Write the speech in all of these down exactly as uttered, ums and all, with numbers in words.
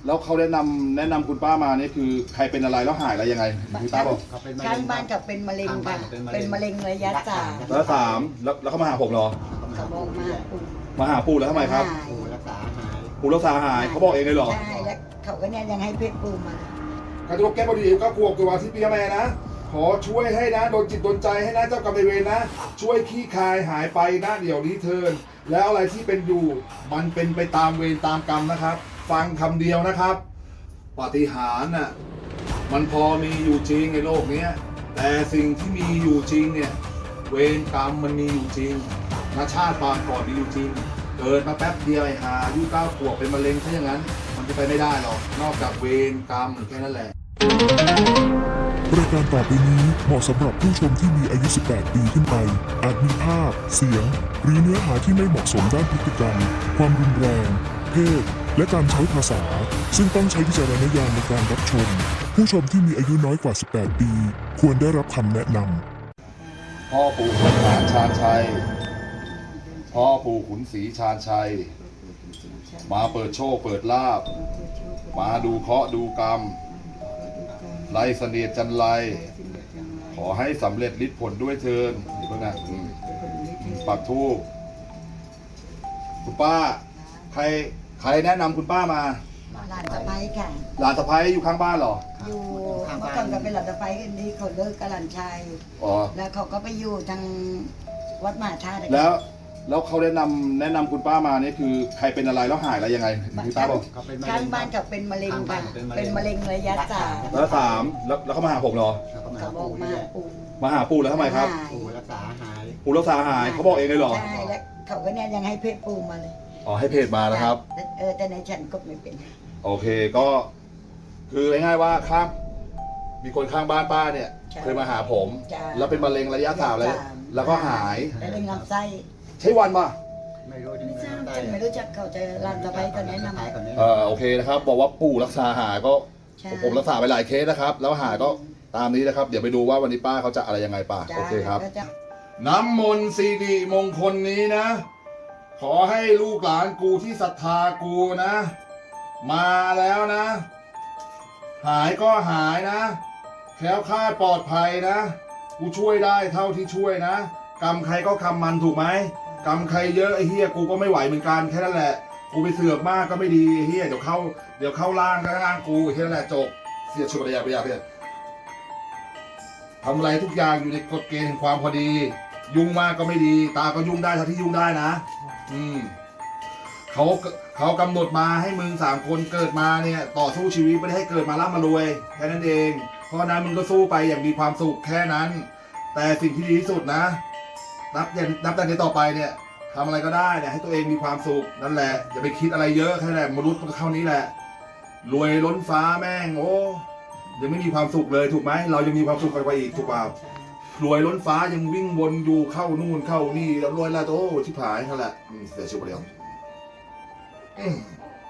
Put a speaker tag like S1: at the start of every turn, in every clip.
S1: แล้วเขาแนะนำแนะนำคุณป้ามานี่คือใครเป็นอะไรแล้วหายอะไรยังไงคุณป้าบอก
S2: ข้างบ้านกับเป็นมะเร็งค่ะเป็นมะเร็งระยะสาม
S1: แล้วสามแล้วแล้วเขามาหาผมเหรอ
S2: เขาบอกมาปู่
S1: มาหาปู่แล้วทำไมครับ
S2: หาย
S3: ปู่รักษาหาย
S1: ปู่รักษาหายเขาบอกเองเลยเหรอ
S2: ใช่แล้วเขาก็เนี่ยยังให้เพชรปู่มา
S1: การทุกแก้บดีก็กลัวตัวที่พี่แม่นะขอช่วยให้นะโดนจิตโดนใจให้นะเจ้ากรรมนายเวรนะ ช่วยขี้คายหายไปนะเดี๋ยวนี้เทินแล้วอะไรที่เป็นอยู่มันเป็นไปตามเวรตามกรรมนะครับ ฟังคำเดียวนะครับปาฏิหาริย์น่ะมันพอมีอยู่จริงในโลกนี้แต่สิ่งที่มีอยู่จริงเนี่ยเวรกรรมมันมีอยู่จริงนาชาติปางก่อนมีอยู่จริงเกิดมาแป๊บเดียวไอ้หาอายุเก้าขวบเป็นมะเร็งซะอย่างนั้นมันจะไปไม่ได้หรอกนอกจากเวรกรรมแค่นั้นแหละ
S4: รายการต่อไปนี้เหมาะสำหรับผู้ชมที่มีอายุ สิบแปด ปีขึ้นไป อาจมีภาพ เสียง หรือเนื้อหาที่ไม่เหมาะสมด้านพฤติกรรม ความรุนแรง เพศ และการใช้ภาษา ซึ่งต้องใช้วิจารณญาณในการรับชม ผู้ชมที่มีอายุน้อยกว่า สิบแปด ปี ควรได้รับคำแนะนำ
S1: พ่อปู่ขุนหารชาญชัย พ่อปู่ขุนศรีชาญชัย มาเปิดโชคเปิดลาภมาดูเคราะห์ดูกรรมไล่เสนียดจันไรขอให้สำเร็จฤทธิ์ผลด้วยเทินนี่เพื่อนนะอืมปักทูปคุณป้า ใครใครแนะนำคุณป้ามา
S2: หลานสะใภ้ค่ะ
S1: หลานสะพ้ายอยู่ข้างบ้านเหรอ
S2: อยู่เมื่อก่อนก็เป็นหลานสะใภ้กันนี้เขาเลิกกับหลานชาย
S1: อ๋อ
S2: แล้วเขาก็ไปอยู่ทางวัดมหาธาตุ
S1: แล้วแล้วเขาแนะนำแนะนำคุณป้ามานี่คือใครเป็นอะไรแล้วหายอะไรยังไงคุณป้าบอก
S3: เขาเป็นมะเร็
S2: ข้าง
S3: ง
S2: บ้านกับเป็นมะเร็งค่ะ
S3: เป็นมะเร็ง
S2: เป็นมะเร็งระยะสาม
S1: แล้วสามแล้วแล้วเขามาหาผมเหรอ
S3: แล้วก็มา
S2: เขา
S3: หา
S2: บอก
S3: ปู่
S2: มา
S3: ด้วย
S2: ปู่
S1: มาหาปู่แล้วทำไมครับ
S2: หาย
S3: ปู่รักษาหาย
S1: ปู่รักษาหายเขาบอกเองเลยเหรอ
S2: ใช่แล้วเขาก็เนี่ยยังให้เพชรปู่มาเลย
S1: อ๋อให้เพจมานะครับ
S2: เออแต่ในฉันก็ไม่เป็น
S1: โอเคก็คือง่ายๆว่าข้างมีคนข้างบ้านป้าเนี่ย
S2: ใช่
S1: เคยมาหาผม
S2: ใช่
S1: แล้วเป็นมะเร็งระยะสามเลย
S2: ระยะสาม
S1: แล้วก็หาย
S2: แล้วเป็นลำไส้
S1: ใช่วันป่ะ
S3: ไม่รู้จะ
S2: ไม่
S3: มี
S2: ทราบ
S3: ได้
S2: ฉันไม่รู้จักเขาจะหลานสะใภ้เขาแนะนำ
S3: ขายก่อนนี้
S1: เออโอเคนะครับ บอกว่าปู่รักษาหายก็
S2: ใช่
S1: ผมรักษาไปหลายเคสนะครับ แล้วหายก็ตามนี้นะครับ เดี๋ยวไปดูว่าวันนี้ป้าเขาจะอะไรยังไงป้า
S2: จ้า
S1: โอเคครับ
S2: ก็จะ
S1: น้ำมนต์สิริมงคลนี้นะ ขอให้ลูกหลานกูที่ศรัทธากูนะ มาแล้วนะ หายก็หายนะแคล้วคลาดปลอดภัยนะ กูช่วยได้เท่าที่ช่วยนะกรรมใครก็คำมันถูกไหมกรรมใครเยอะไอ้เฮียกูก็ไม่ไหวเหมือนกันแค่นั้นแหละกูไปเสือกมากก็ไม่ดีไอ้เฮียเดี๋ยวเข้าเดี๋ยวเข้าล่างก็ล่างกูแค่นั้นแหละจบเสียชุบระยะระยะเพื่อนทำอะไรทุกอย่างอยู่ในกฎเกณฑ์แห่งความพอดี ยุ่งมากก็ไม่ดี ตาก็ยุ่งได้เท่าที่ยุ่งได้นะ อืมเขาเขากำหนดมาให้มึงสามคนเกิดมาเนี่ย ต่อสู้ชีวิตไม่ได้ให้เกิดมาร่ำมารวยแค่นั้นเอง เพราะฉะนั้นมึงก็สู้ไปอย่างมีความสุขแค่นั้น แต่สิ่งที่ดีที่สุดนะ นับอย่างนับแต่นี้ต่อไปเนี่ยทำอะไรก็ได้เนี่ยให้ตัวเองมีความสุขนั่นแหละอย่าไปคิดอะไรเยอะแค่นั้นแหละมนุษย์มันก็เท่านี้แหละ รวยล้นฟ้าแม่งโอ้ยังไม่มีความสุขเลยถูกไหมเรายังมีความสุขกันไปอีกถูกเปล่ารวยล้นฟ้ายังวิ่งวนอยู่เข้านู่นเข้านี่แล้วรวยแล้วโอ้ชิบหายนั่นแหละอืมเสียชีวิตไปแล้วอืม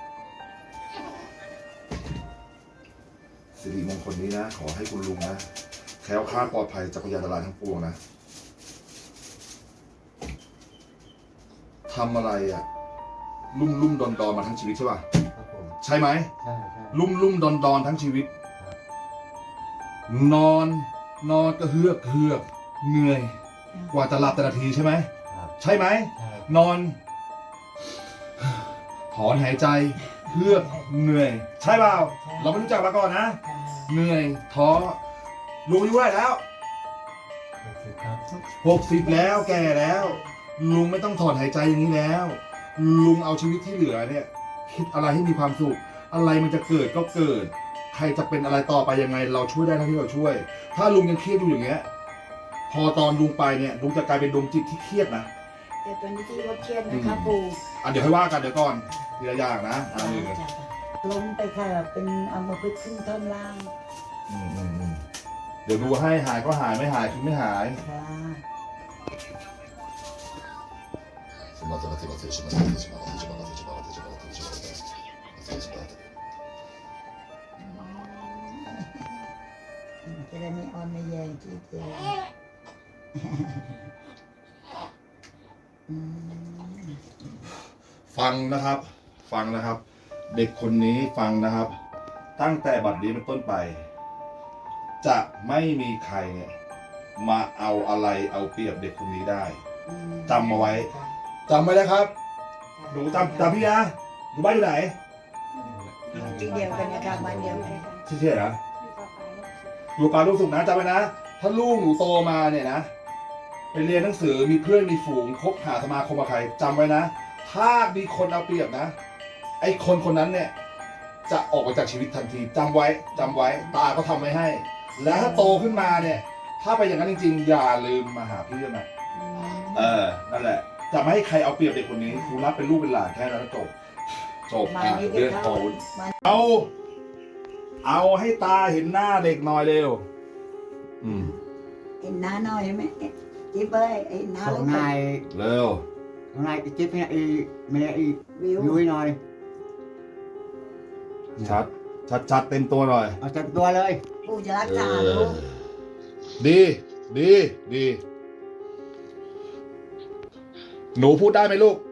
S1: สิริมงคลนี้นะขอให้คุณลุงนะแคล้วคลาดปลอดภัยจากพยานอันตรายทั้งปวงนะทำอะไรอะลุ่มลุ่มดอนดอนมาทั้งชีวิตใช่ป่ะ
S3: ครับผม
S1: ใช่ไหม
S3: ใช่ใช่
S1: ลุ่มลุ่มดอนดอนทั้งชีวิต นอน นอนก็เฮือกเฮือกเหนื่อย กว่าจะหลับแต่ละทีใช่ไหม
S3: ครับ
S1: ใช่ไหม
S3: ใช่
S1: นอน ถอนหายใจเฮือกเหนื่อย ใช่เปล่าเราไม่รู้จักมาก่อนนะ เหนื่อยท้อลุงอายุเท่าไหร่แล้ว
S3: หกสิบครับ
S1: หกสิบแล้วแก่แล้ว ลุงไม่ต้องถอนหายใจอย่างนี้แล้ว ลุงเอาชีวิตที่เหลือเนี่ย คิดอะไรให้มีความสุข อะไรมันจะเกิดก็เกิด ใครจะเป็นอะไรต่อไปยังไง เราช่วยได้เท่าที่เราช่วย ถ้าลุงยังเครียดอยู่อย่างเงี้ย พอตอนลุงไปเนี่ยลุงจะกลายเป็นดวงจิตที่เครียดนะ
S2: เดี๋ยวตัวนี้ที่รถเครียดนะคะปู่
S1: อ่ะเดี๋ยวให้ว่ากันเดี๋ยวก่อนทีละอย่างนะอ่าหนึ่ง
S2: ล้มไปค่ะเป็นอัมพฤกษ์ขึ้นท่อนล่าง
S1: อืมอืมอืมเดี๋ยวดูให้หายก็หายไม่หายคือไม่หาย
S2: ค่ะ
S1: สมาธิสมาธิสมาธิสมาธิสมาธิสมาธิสมาธิสมาธิสมาธิสมาธิ
S2: จะได้ไม่อ่อนไม่แยงที่เจออืม
S1: ฟังนะครับ ฟังนะครับเด็กคนนี้ฟังนะครับ ตั้งแต่บัดนี้เป็นต้นไป จะไม่มีใครเนี่ยมาเอาอะไรเอาเปรียบเด็กคนนี้ได้ จำเอาไว้ จำไว้นะครับ หนูจำจำพี่นะหนูบ้านอยู่ไหน
S2: ที่เดียวกันนะคะบ้านเดียวกัน
S1: ชื่อเชื่อนะอยู่ปาลูกสุขนะจำไว้นะ ถ้าลูกหนูโตมาเนี่ยนะไปเรียนหนังสือมีเพื่อนมีฝูงคบหาสมาคมกับใครจำไว้นะ ถ้ามีคนเอาเปรียบนะ ไอ้คนคนนั้นเนี่ยจะออกไปจากชีวิตทันทีจำไว้จำไว้ตาก็ทำไว้ให้ แล้วถ้าโตขึ้นมาเนี่ย ถ้าไปอย่างนั้นจริงๆอย่าลืมมาหาพี่ด้วยนะเออนั่นแหละ จะไม่ให้ใครเอาเปรียบเด็กคนนี้ครูรับเป็นลูกเป็นหลานแค่นั้นแล้วจบจบ
S2: มา
S1: อ่ะ
S2: นี่
S1: เรื่อง
S2: ก็
S1: โต
S2: เข้ามา
S1: เอา เอาให้ตาเห็นหน้าเด็กหน่อยเร็ว อืม
S2: เห็นหน้าหน่อยไหมจิ๊บเอ้ยเห็นหน้า
S3: ข
S2: แล้
S3: อ
S2: ว
S3: งนาย
S1: เร็ว
S3: ของนายจิ๊บเนี่ยไอ้แม่ไอ้
S2: วิว
S3: ยุ้ยหน่อย
S1: ชัด ชัดชัดเต็มตัวหน่อย
S3: เอาจับตัวเลย
S2: ปู่จะรัก
S1: เอ
S2: ษา
S1: อ
S2: ลูก
S1: ดี ดี ดี หนูพูดได้ไหมลูก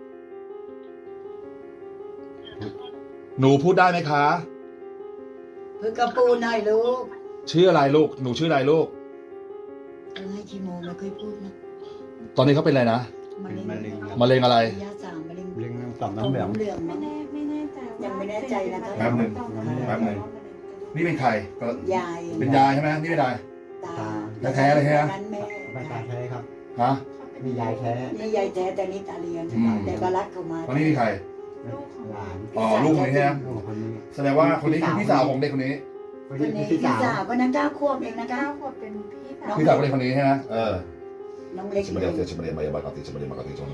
S1: หนูพูดได้ไหมคะ
S2: เพื่อกระปูหน่อยลูก
S1: ชื่ออะไรลูก หนูชื่ออะไรลูก
S2: เออให้คีโมไม่เคยพูดนะ
S1: ตอนนี้เขาเป็นอะไรนะ
S2: มะเร็ง
S3: มะเร็ง
S1: มะเร็งอะไร
S2: ระยะสามมะเร็ง
S3: เลี้ยงต่อม
S2: ต่อ
S3: น้ำ
S2: ม
S3: เหลือง
S2: น้ำเหลือง
S5: ไม่
S2: มั้ง
S5: แน่ไม่แน่ใจ
S2: ยังไม่แน่ใจนะคะ
S1: แป๊บหนึ่งแป๊บหนึ่ง นี่เป็นใครก็
S2: ยาย
S1: เป็นยายใช่ไหมนี่เป็นยาย
S2: ตา
S1: แท้ๆเลยใช่ไหม
S2: นั้นแม่
S3: ใบตาแท้ครับ
S1: ฮะ
S3: มียายแท้
S2: นี่ยายแท้แต่นี่ตาเลียน
S1: อืม
S2: แต่ก็รักเขามา
S1: ตอนนี้มีใคร
S3: หลาน
S1: อ๋อ ลูกคนนี้ใช่ไหม
S3: ลูกคนนี้
S1: แสดงว่าคนนี้คือพี่สาวของเด็กคนนี้
S3: คน
S2: คน
S3: นี้
S2: นี้
S3: พี่
S2: พี่
S3: สาว
S2: สาวก็นักก้าวควบเองนะคะ
S5: เก้าขวบเป็นพี่สาว
S1: พี่สาวของเด็กคนนี้ใช่ไหมเออ
S2: น้องเล็ก
S1: Sebenarnya dia sebenarnya maya bakati sebenarnya bakati cuma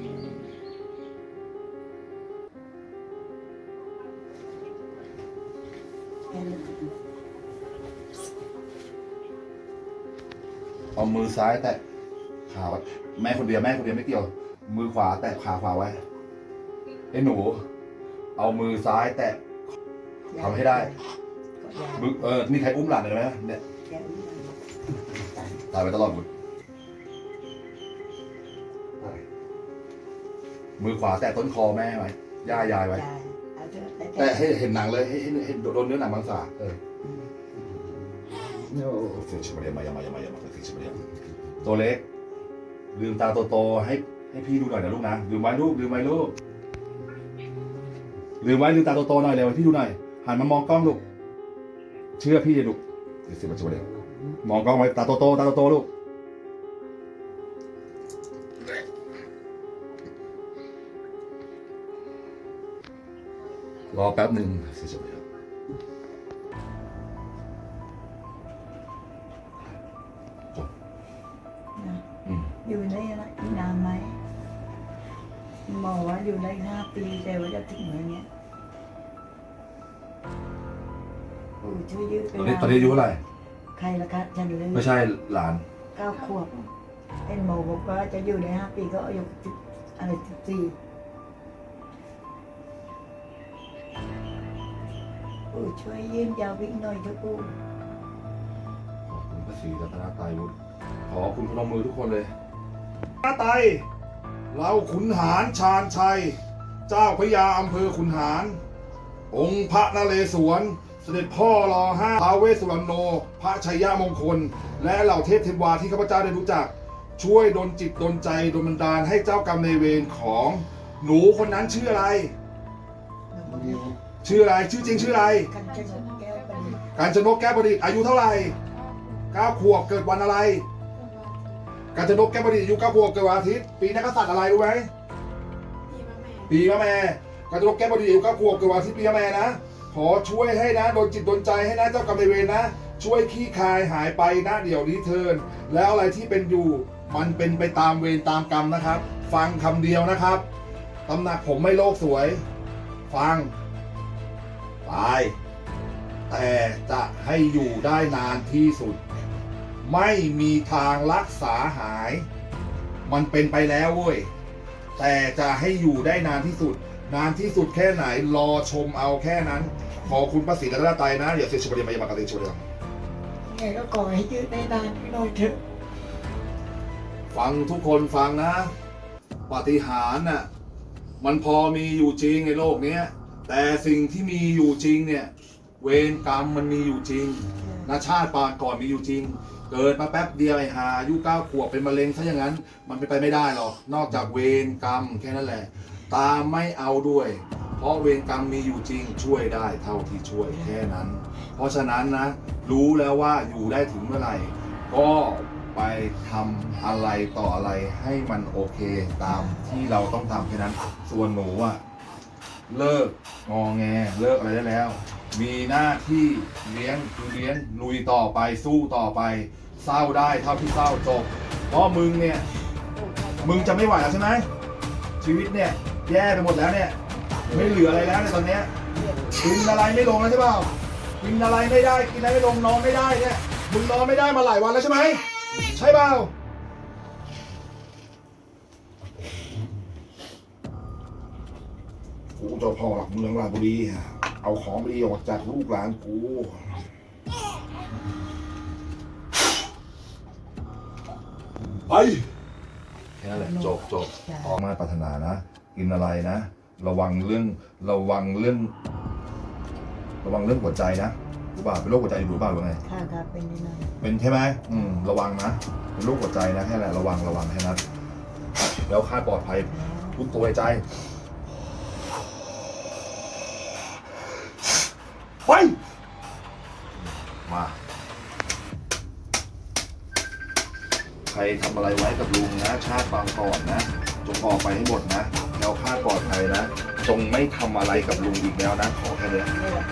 S1: เอามือซ้ายแตะขาไว้แม่คนเดียวแม่คนเดียวไม่เกี่ยว มือขวาแตะขาขวาไว้ไอ้หนู เอามือซ้ายแตะ ทำให้ได้ มือเออนี่ใครอุ้มหลานเลยไหมเนี่ยตายไปตลอดหมดมือขวาแตะต้นคอแม่ไว้ย่ายายไว้ แต่ให้เห็นหนังเลยให้ให้ให้โดนเนื้อหนังบางสาเออ
S3: โอ้
S1: ฟิชมาเรียมายามายามายามาฟิชมาเรียมตัวเล็กลืมตาโตๆให้ให้พี่ดูหน่อยนะลูกนะลืมไว้ลูกลืมไว้ลูกลืมไว้ลืมตาโตๆหน่อยเร็วให้พี่ดูหน่อยหันมามองกล้องลูกเชื่อพี่ลูกฟิชมาเรียมมองกล้องไว้ตาโตๆตาโตๆลูกรอแป๊บหนึ่งฟิชมาเรียม
S2: อยู่ได้อีกนานไหมหมอว่าอยู่ได้ห้าปีแต่ว่าจะถึงไหมเนี่ยโอ้ช่วยยืด
S1: ตอนนี้ตอนนี้อายุเท่าไหร่
S2: ใครละคะฉันเลย
S1: ไม่ใช่หลาน
S2: เก้าขวบเอ็นหมอบอกว่าจะอยู่ได้ห้าปีก็อายุสิบอะไรสิบสี่โอ้ช่วยยืนยาววิ่งหน่อยเถอะปู่
S1: ขอบคุณพระศรีรัตนตรัยบุตรขอคุณพนมมือทุกคนเลยพระไตรเราขุนหารชาญชัย เจ้าพระยาอำเภอขุนหาร องค์พระนเรศวร เสด็จพ่อรอห้าท้าวเวสสุวรรณโน พระชัยยามงคล และเหล่าเทพเทวาที่ข้าพเจ้าได้รู้จัก ช่วยดลจิตดลใจดลบันดาลให้เจ้ากรรมนายเวรของหนูคนนั้นชื่ออะไร
S3: นิว
S1: ชื่ออะไร ชื่อจริงชื่ออะไร
S2: กันชนกแก้วประดิษฐ์
S1: การจนกแก้วประดิษฐ์อายุเท่าไหร่เก้าขวบเกิดวันอะไร การจนกแก้วประดิษฐ์อายุเก้าขวบเกิดวันอาทิตย์ปีนักกษัตริย์อะไรรู้ไหม
S5: พี่มาแม่
S1: ปีมะแม่การจนกแก้วประดิษฐ์อายุเก้าขวบเกิดวันอาทิตย์ปีมะแม่นะขอช่วยให้นะโดนจิตโดนใจให้นะเจ้ากรรมนายเวรนะ ช่วยขี้คายหายไปนะเดี๋ยวนี้เทินแล้วอะไรที่เป็นอยู่มันเป็นไปตามเวรตามกรรมนะครับ ฟังคำเดียวนะครับตำหนักผมไม่โลกสวย ฟังตาย แต่จะให้อยู่ได้นานที่สุด ไม่มีทางรักษาหาย มันเป็นไปแล้วเว้ยแต่จะให้อยู่ได้นานที่สุด นานที่สุดแค่ไหนรอชมเอาแค่นั้น ขอคุณพระศรีรัตนตรัยนะเดี๋ยวเสียชิบเรียมายามากาติชิบเรียม
S2: ไงก็ขอให้ยืดได้นานหน่อยเถอะ
S1: ฟังทุกคนฟังนะปาฏิหาริย์น่ะมันพอมีอยู่จริงในโลกนี้แต่สิ่งที่มีอยู่จริงเนี่ย เวรกรรมมันมีอยู่จริงนะชาติปางก่อนมีอยู่จริง เกิดมาแป๊บเดียวไอ้หาอายุเก้าขวบเป็นมะเร็งซะอย่างนั้น มันเป็นไปไม่ได้หรอกนอกจากเวรกรรมแค่นั้นแหละ ตามไม่เอาด้วย เพราะเวรกรรมมีอยู่จริงช่วยได้เท่าที่ช่วยแค่นั้น เพราะฉะนั้นนะ รู้แล้วว่าอยู่ได้ถึงเมื่อไหร่ ก็ไปทำอะไรต่ออะไรให้มันโอเคตามที่เราต้องทำแค่นั้น ส่วนหนูอะเลิกงอแงเลิกอะไรได้แล้ว มีหน้าที่เลี้ยงคือเลี้ยงลุยต่อไปสู้ต่อไป เศร้าได้เท่าที่เศร้าจบ เพราะมึงเนี่ย มึงจะไม่ไหวแล้วใช่ไหมชีวิตเนี่ย แย่ไปหมดแล้วเนี่ย ไม่เหลืออะไรแล้วในตอนเนี้ยกินอะไรไม่ลงแล้วใช่เปล่ากินอะไรไม่ได้กินอะไรไม่ลงนอนไม่ได้เนี่ยมึงนอนไม่ได้มาหลายวันแล้วใช่ไหมใช่เปล่ากูเจ้าพ่อหลักเมืองราชบุรีเอาของดีออกจากลูกหลานกูไปแค่นั้นแหละจบจบออกมาปรารถนานะกินอะไรนะระวังเรื่องระวังเรื่อง ระวังเรื่องหัวใจนะรู้ป่ะเป็นโรคหัวใจอยู่หรือเปล่าหรือไง
S2: ค่ะครับเป็นนิดหน่อย
S1: เป็นใช่ไหมอืมระวังนะเป็นโรคหัวใจนะแค่นั้นระวังระวังแค่นั้นแล้วค่าปลอดภัยพุทโธในใจไปมาใครทำอะไรไว้กับลุงนะชาติบางก่อนนะจงออกไปให้หมดนะแล้วค่าปลอดภัยนะจงไม่ทำอะไรกับลุงอีกแล้วนะขอแค่นี้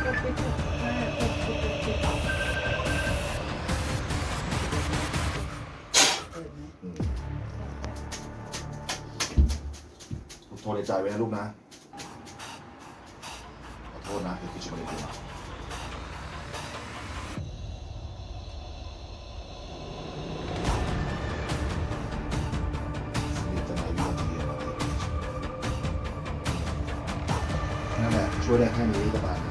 S1: พุทโธในใจไว้นะลูกนะขอโทษนะเดี๋ยวพี่จะมาเรียนนั่นแหละช่วยได้แค่นี้ก็ตาม